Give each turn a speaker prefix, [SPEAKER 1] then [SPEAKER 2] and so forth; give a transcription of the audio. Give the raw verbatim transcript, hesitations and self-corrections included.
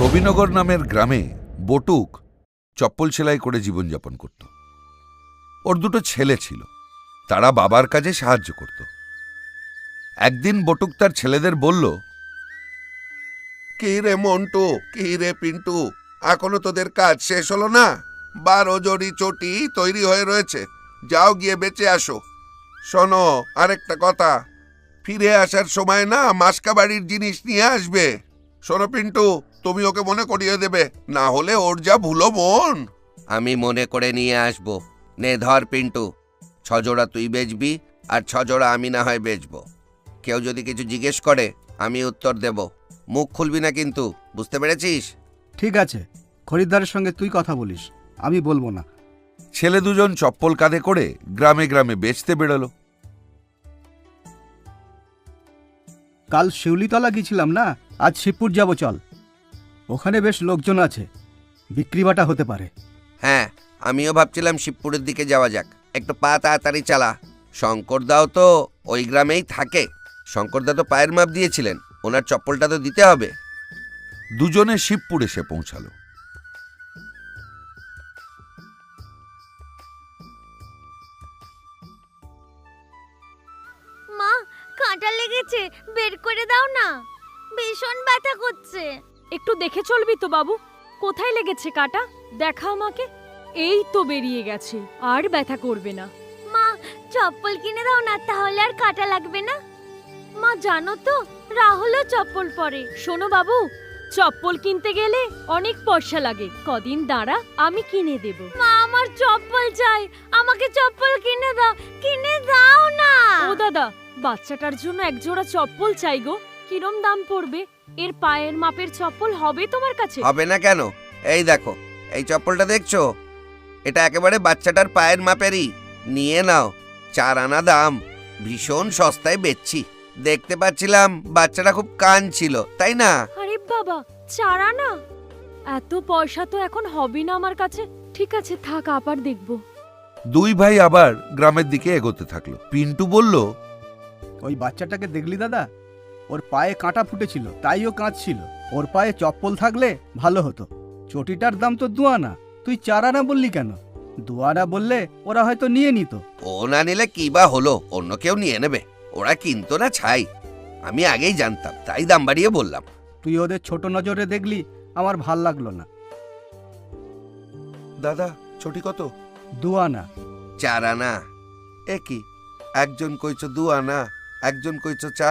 [SPEAKER 1] রবিনগর নামের গ্রামে বটুক চপ্পল সেলাই করে জীবনযাপন করত। ওর দুটো ছেলে ছিল, তারা বাবার কাজে সাহায্য করত। একদিন বটুক তার ছেলেদের বলল,
[SPEAKER 2] কি রে মন্টু, কি রে পিন্টু, এখনো তোদের কাজ শেষ হলো না? বারো জড়ি চটি তৈরি হয়ে রয়েছে, যাও গিয়ে বেঁচে আসো। শোনো, আরেকটা কথা, ফিরে আসার সময় না মাসকা বাড়ির জিনিস নিয়ে আসবে। শোনো পিন্টু, তুমি ওকে মনে করিয়ে দেবে, না হলে ওর যা ভুলো মন।
[SPEAKER 3] আমি মনে করে নিয়ে আসব। নে ধর পিন্টু, ছজোড়া তুই বেচবি আর ছজোড়া আমি না হয় বেচবো। কেউ যদি কিছু জিজ্ঞেস করে আমি উত্তর দেব, মুখ খুলবি না কিন্তু, বুঝতে পেরেছিস?
[SPEAKER 4] ঠিক আছে, খরিদ্দারের সঙ্গে তুই কথা বলিস, আমি বলবো না।
[SPEAKER 1] ছেলে দুজন চপ্পল কাঁধে করে গ্রামে গ্রামে বেচতে বেরোলো।
[SPEAKER 4] কাল শিউলিতলা গিয়েছিলাম না, আজ শিবপুর যাব, চল। ওখানে বেশ লোকজন আছে, বিক্রি বাটা হতে পারে।
[SPEAKER 3] হ্যাঁ, আমিও ভাবছিলাম শিবপুরের দিকে যাওয়া যাক। একটু পা তাড়াতাড়ি চালা। শঙ্করদাও তো ওই গ্রামেই থাকে। শঙ্করদা তো পায়ের মাপ দিয়েছিলেন, ওনার চপ্পলটা তো দিতে হবে।
[SPEAKER 1] দুজনে শিবপুর এসে পৌঁছালো।
[SPEAKER 5] মা, কাঁটা লেগেছে, বের করে দাও না, ভীষণ ব্যথা করছে।
[SPEAKER 6] একটু দেখে চলবি তো বাবু, কোথায় লেগেছে কাটা? দেখা আমাকে। এই তো বেরিয়ে গেছে, আর ব্যথা করবে না।
[SPEAKER 5] মা, চপ্পল কিনে দাও না, তাহলে আর কাঁটা লাগবে না। মা জানো তো, রাহুলও চপ্পল পরে।
[SPEAKER 6] শোনো বাবু, চপ্পল কিনতে গেলে অনেক পয়সা লাগে, কদিন দাঁড়া, আমি কিনে দেব।
[SPEAKER 5] মা, আমার চপ্পল চাই, আমাকে চপ্পল কিনে দাও, কিনে দাও না।
[SPEAKER 6] ও দাদা, বাচ্চাটার জন্য এক জোড়া চপ্পল চাই গো। কিরম দাম পড়বে? এর পায়ের মাপের চপ্পল হবে তোমার কাছে?
[SPEAKER 3] হবে না কেন? এই দেখো, এই চপ্পলটা দেখছো? এটা একেবারে বাচ্চাটার পায়ের মাপেরই। নিয়ে নাও, চার আনা দাম, ভীষণ সস্তায় বেচছি। দেখতে পাচ্ছিলাম বাচ্চাটা খুব কান ছিল, তাই না?
[SPEAKER 6] আরে বাবা, চার আনা? এত পয়সা তো এখন হবে না আমার কাছে। ঠিক আছে থাক, আবার দেখবো।
[SPEAKER 1] দুই ভাই আবার গ্রামের দিকে এগোতে থাকলো। পিন্টু বলল,
[SPEAKER 4] ওই বাচ্চাটাকে দেখলি দাদা? ওর পায়ে কাঁটা ফুটেছিল, তাই ও কাঁদছিল। ওর পায়ে চপ্পল থাকলে ভালো হতো। চটিটার দাম তো দু আনা, তুই চার আনা বললি কেন? দু আনা বললে ওরা হয়তো নিয়ে নিত।
[SPEAKER 3] ও না নিলে কি বা হলো, অন্য কেউ নিয়ে নেবে। ওরা কিনতো না ছাই, আমি আগেই জানতাম, তাই দাম বাড়িয়ে বললাম।
[SPEAKER 4] তুই ওদের ছোট নজরে দেখলি, আমার ভাল লাগলো না।
[SPEAKER 2] দাদা, ছটি কত?
[SPEAKER 4] দু আনা।
[SPEAKER 3] চার আনা।
[SPEAKER 2] এ কি, একজন কইছো দু আনা, একজন কইছো চার